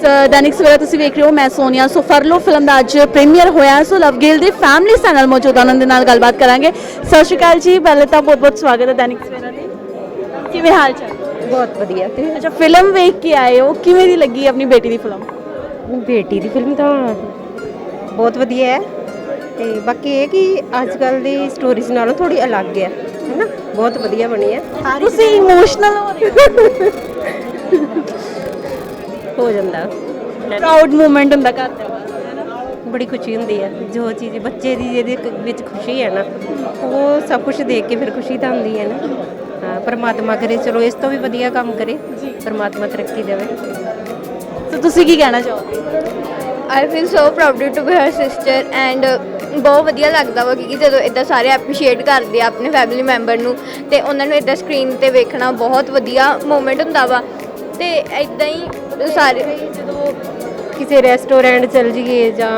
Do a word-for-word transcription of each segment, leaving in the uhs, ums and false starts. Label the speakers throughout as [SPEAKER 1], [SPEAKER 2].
[SPEAKER 1] दैनिक सवेरा तुसीं वेख रहे हो, मैं सोनिया। सो फरलो फिल्म ਦਾ ਅੱਜ ਪ੍ਰੀਮੀਅਰ ਹੋਇਆ। ਸੋ ਲਵਗਿਲ ਦੇ ਫੈਮਿਲੀ ਸਾਡੇ ਨਾਲ ਮੌਜੂਦ ਆ, ਉਹਨਾਂ ਦੇ ਨਾਲ ਗੱਲਬਾਤ ਕਰਾਂਗੇ। ਸਤਿ ਸ਼੍ਰੀ ਅਕਾਲ ਜੀ, ਪਹਿਲੇ ਤਾਂ ਬਹੁਤ ਬਹੁਤ ਸਵਾਗਤ ਹੈ दैनिक सवेरा ਦੇ। ਕਿਵੇਂ ਹਾਲ ਚਾਲ?
[SPEAKER 2] ਬਹੁਤ ਵਧੀਆ। ਤੇ
[SPEAKER 1] ਅੱਛਾ, ਫਿਲਮ ਵੇਖ ਕੇ ਆਏ ਹੋ, ਕਿਵੇਂ ਦੀ ਲੱਗੀ ਆਪਣੀ ਬੇਟੀ ਦੀ ਫਿਲਮ?
[SPEAKER 2] ਬੇਟੀ ਦੀ ਫਿਲਮ ਤਾਂ ਬਹੁਤ ਵਧੀਆ ਹੈ ਤੇ ਬਾਕੀ ਇਹ ਕਿ ਅੱਜ ਕੱਲ ਦੀ ਸਟੋਰੀਜ਼ ਨਾਲੋਂ ਥੋੜੀ ਅਲੱਗ ਹੈ ਹੈਨਾ, ਬਹੁਤ ਵਧੀਆ ਬਣੀ ਹੈ।
[SPEAKER 1] ਤੁਸੀਂ ਇਮੋਸ਼ਨਲ ਹੋ ਰਹੇ ਹੋ?
[SPEAKER 2] ਹੋ ਜਾਂਦਾ,
[SPEAKER 1] ਪ੍ਰਾਊਡ ਮੂਮੈਂਟ ਹੁੰਦਾ ਘਰ ਦੇ ਬਾਹਰ।
[SPEAKER 2] ਬੜੀ ਖੁਸ਼ੀ ਹੁੰਦੀ ਹੈ। ਜੋ ਚੀਜ਼ ਬੱਚੇ ਦੀ ਜਿਹਦੇ ਵਿੱਚ ਖੁਸ਼ੀ ਹੈ ਨਾ, ਉਹ ਸਭ ਕੁਝ ਦੇਖ ਕੇ ਫਿਰ ਖੁਸ਼ੀ ਤਾਂ ਹੁੰਦੀ ਹੈ ਨਾ। ਹਾਂ, ਪਰਮਾਤਮਾ ਕਰੇ ਚਲੋ ਇਸ ਤੋਂ ਵੀ ਵਧੀਆ ਕੰਮ ਕਰੇ, ਪਰਮਾਤਮਾ ਤਰੱਕੀ ਦੇਵੇ।
[SPEAKER 1] ਸੋ ਤੁਸੀਂ ਕੀ ਕਹਿਣਾ ਚਾਹੋਗੇ?
[SPEAKER 3] I feel so proud to be her sister and ਬਹੁਤ ਵਧੀਆ ਲੱਗਦਾ ਵਾ ਕਿ ਜਦੋਂ ਇੱਦਾਂ ਸਾਰੇ ਐਪਰੀਸ਼ੀਏਟ ਕਰਦੇ ਆ ਆਪਣੇ ਫੈਮਿਲੀ ਮੈਂਬਰ ਨੂੰ, ਅਤੇ ਉਹਨਾਂ ਨੂੰ ਇੱਦਾਂ ਸਕਰੀਨ 'ਤੇ ਵੇਖਣਾ ਬਹੁਤ ਵਧੀਆ ਮੂਮੈਂਟ ਹੁੰਦਾ ਵਾ। ਅਤੇ ਇੱਦਾਂ ਹੀ ਸਾਰੇ
[SPEAKER 2] ਜਦੋਂ ਕਿਸੇ ਰੈਸਟੋਰੈਂਟ ਚਲ ਜਾਈਏ ਜਾਂ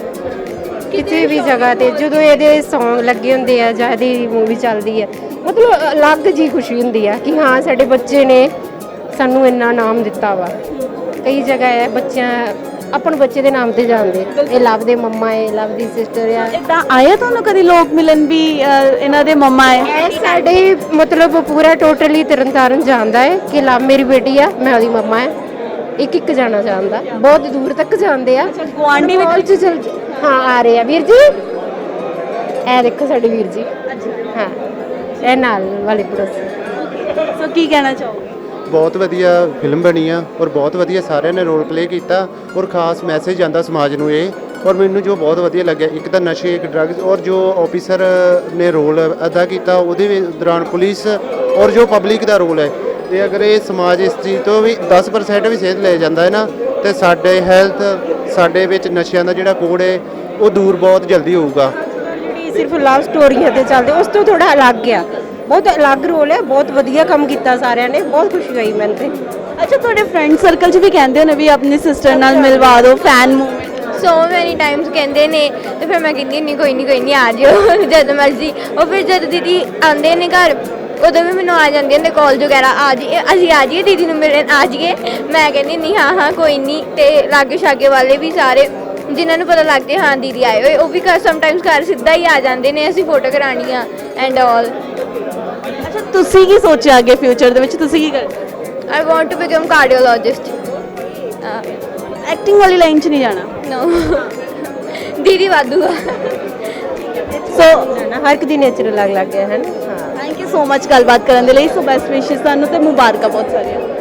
[SPEAKER 2] ਕਿਸੇ ਵੀ ਜਗ੍ਹਾ ਤੇ ਜਦੋਂ ਇਹਦੇ ਸੌਂਗ ਲੱਗੇ ਹੁੰਦੇ ਆ ਜਾਂ ਇਹਦੀ ਮੂਵੀ ਚੱਲਦੀ ਹੈ, ਮਤਲਬ ਅਲੱਗ ਜੀ ਖੁਸ਼ੀ ਹੁੰਦੀ ਆ ਕਿ ਹਾਂ ਸਾਡੇ ਬੱਚੇ ਨੇ ਸਾਨੂੰ ਇੰਨਾ ਨਾਮ ਦਿੱਤਾ ਵਾ। ਕਈ ਜਗ੍ਹਾ ਹੈ ਬੱਚਿਆਂ ਆਪਣੇ ਬੱਚੇ ਦੇ ਨਾਮ ਤੇ ਜਾਣਦੇ, ਇਹ ਲਵ ਦੇ ਮੰਮਾ ਹੈ, ਲਵ ਦੀ ਸਿਸਟਰ ਆ।
[SPEAKER 1] ਇੱਦਾਂ ਆਇਆ ਤੁਹਾਨੂੰ ਕਦੀ ਲੋਕ ਮਿਲਣ ਵੀ ਅਹ, ਇਹਨਾਂ ਦੇ ਮੰਮਾ ਹੈ?
[SPEAKER 2] ਇਹ ਸਾਡੇ ਮਤਲਬ ਪੂਰਾ ਟੋਟਲੀ ਤਰਨਤਾਰਨ ਜਾਣਦਾ ਹੈ ਕਿ ਲਵ ਮੇਰੀ ਬੇਟੀ ਆ, ਮੈਂ ਉਹਦੀ ਮੰਮਾ ਹੈ। ਇੱਕ ਇੱਕ ਜਾਣਾ ਜਾਣਦਾ, ਬਹੁਤ ਦੂਰ ਤੱਕ ਜਾਂਦੇ ਆ।
[SPEAKER 1] ਗੁਆਂਢੀ
[SPEAKER 2] ਵਿੱਚ ਚਲ ਹਾਂ ਆ ਰਹੇ ਆ ਵੀਰ ਜੀ, ਇਹ ਦੇਖੋ ਸਾਡੇ ਵੀਰ ਜੀ। ਹਾਂ, ਇਹ ਨਾਲ ਵਾਲੇ ਪੜੋਸੀ।
[SPEAKER 1] ਸੋ ਕੀ ਕਹਿਣਾ ਚਾਹੋਗੇ?
[SPEAKER 4] ਬਹੁਤ ਵਧੀਆ ਫਿਲਮ ਬਣੀ ਆ ਔਰ ਬਹੁਤ ਵਧੀਆ ਸਾਰਿਆਂ ਨੇ ਰੋਲ ਪਲੇ ਕੀਤਾ ਔਰ ਖਾਸ ਮੈਸੇਜ ਜਾਂਦਾ ਸਮਾਜ ਨੂੰ ਇਹ। ਔਰ ਮੈਨੂੰ ਜੋ ਬਹੁਤ ਵਧੀਆ ਲੱਗਿਆ, ਇੱਕ ਤਾਂ ਨਸ਼ੇ, ਇੱਕ ਡਰੱਗਸ, ਔਰ ਜੋ ਆਫਿਸਰ ਨੇ ਰੋਲ ਅਦਾ ਕੀਤਾ ਉਹਦੇ ਵੀ ਦੌਰਾਨ ਪੁਲਿਸ ਔਰ ਜੋ ਪਬਲਿਕ ਦਾ ਰੋਲ ਹੈ, ਤੇ ਅਗਰ ਇਹ ਸਮਾਜ ਇਸ ਚੀਜ਼ ਤੋਂ ਵੀ ਦਸ ਪਰਸੈਂਟ ਵੀ ਸੇਧ ਲੈ ਜਾਂਦਾ ਹੈ ਨਾ, ਤੇ ਸਾਡੇ ਹੈਲਥ, ਸਾਡੇ ਵਿੱਚ ਨਸ਼ਿਆਂ ਦਾ ਜਿਹੜਾ ਕੋਡ ਹੈ ਉਹ ਦੂਰ ਬਹੁਤ ਜਲਦੀ ਹੋਊਗਾ।
[SPEAKER 2] ਜਿਹੜੀ ਸਿਰਫ ਲਵ ਸਟੋਰੀਆਂ ਤੇ ਚੱਲਦੇ, ਉਸ ਤੋਂ ਥੋੜਾ ਅਲੱਗ ਆ, ਬਹੁਤ ਅਲੱਗ ਰੋਲ ਹੈ। ਬਹੁਤ ਵਧੀਆ ਕੰਮ ਕੀਤਾ ਸਾਰਿਆਂ ਨੇ, ਬਹੁਤ ਖੁਸ਼ੀ ਹੋਈ ਮੈਨੂੰ ਤੇ।
[SPEAKER 1] ਅੱਛਾ, ਤੁਹਾਡੇ ਫਰੈਂਡ ਸਰਕਲ 'ਚ ਵੀ ਕਹਿੰਦੇ ਨੇ ਵੀ ਆਪਣੀ ਸਿਸਟਰ ਨਾਲ ਮਿਲਵਾ ਦਿਓ, ਫੈਨ ਮੂਵਮੈਂਟ।
[SPEAKER 3] ਸੋ ਮੈਨੀ ਟਾਈਮਸ ਕਹਿੰਦੇ ਨੇ, ਅਤੇ ਫਿਰ ਮੈਂ ਕਹਿੰਦੀ ਨਹੀਂ ਕੋਈ ਨਹੀਂ ਕੋਈ ਨਹੀਂ ਆ ਜਿਓ ਜਦ ਮਰਜ਼ੀ। ਉਹ ਫਿਰ ਜਦ ਦੀਦੀ ਆਉਂਦੇ ਨੇ ਘਰ ਉਦੋਂ ਵੀ ਮੈਨੂੰ ਆ ਜਾਂਦੀਆਂ ਨੇ ਕਾਲਜ ਵਗੈਰਾ, ਆ ਜੀ ਅਸੀਂ ਆ ਜਾਈਏ ਦੀਦੀ ਨੂੰ ਮਿਲਣ, ਆ ਜਾਈਏ। ਮੈਂ ਕਹਿੰਦੀ ਨਹੀਂ ਹਾਂ ਹਾਂ ਕੋਈ ਨਹੀਂ। ਅਤੇ ਲਾਗੇ ਛਾਗੇ ਵਾਲੇ ਵੀ ਸਾਰੇ ਜਿਨ੍ਹਾਂ ਨੂੰ ਪਤਾ ਲੱਗ ਜੇ ਹਾਂ ਦੀਦੀ ਆਏ ਹੋਏ, ਉਹ ਵੀ ਘਰ ਸਮਟਾਈਮਸ ਘਰ ਸਿੱਧਾ ਹੀ ਆ ਜਾਂਦੇ ਨੇ, ਅਸੀਂ ਫੋਟੋ ਕਰਾਉਣੀ ਆ ਐਂਡ ਆਲ।
[SPEAKER 1] ਅੱਛਾ, ਤੁਸੀਂ ਕੀ ਸੋਚਿਆ ਅੱਗੇ ਫਿਊਚਰ ਦੇ ਵਿੱਚ ਤੁਸੀਂ ਕੀ ਕਰਨਾ?
[SPEAKER 3] I want to become cardiologist.
[SPEAKER 1] Acting ਵਾਲੀ ਲਾਈਨ 'ਚ ਨਹੀਂ ਜਾਣਾ?
[SPEAKER 3] ਨੋ ਦੀਦੀ ਵਾਧੂਗਾ।
[SPEAKER 1] ਸੋ
[SPEAKER 2] ਹਰ ਇੱਕ ਦੀ ਨੇਚਰ ਅਲੱਗ ਅਲੱਗ ਹੈ ਹੈ ਨਾ। ਹਾਂ,
[SPEAKER 1] ਥੈਂਕ ਯੂ ਸੋ ਮਚ ਗੱਲਬਾਤ ਕਰਨ ਦੇ ਲਈ। ਸੋ ਬੈਸਟ ਵਿਸ਼ੇਸ ਤੁਹਾਨੂੰ ਤੇ ਮੁਬਾਰਕਾਂ ਬਹੁਤ ਸਾਰੀਆਂ।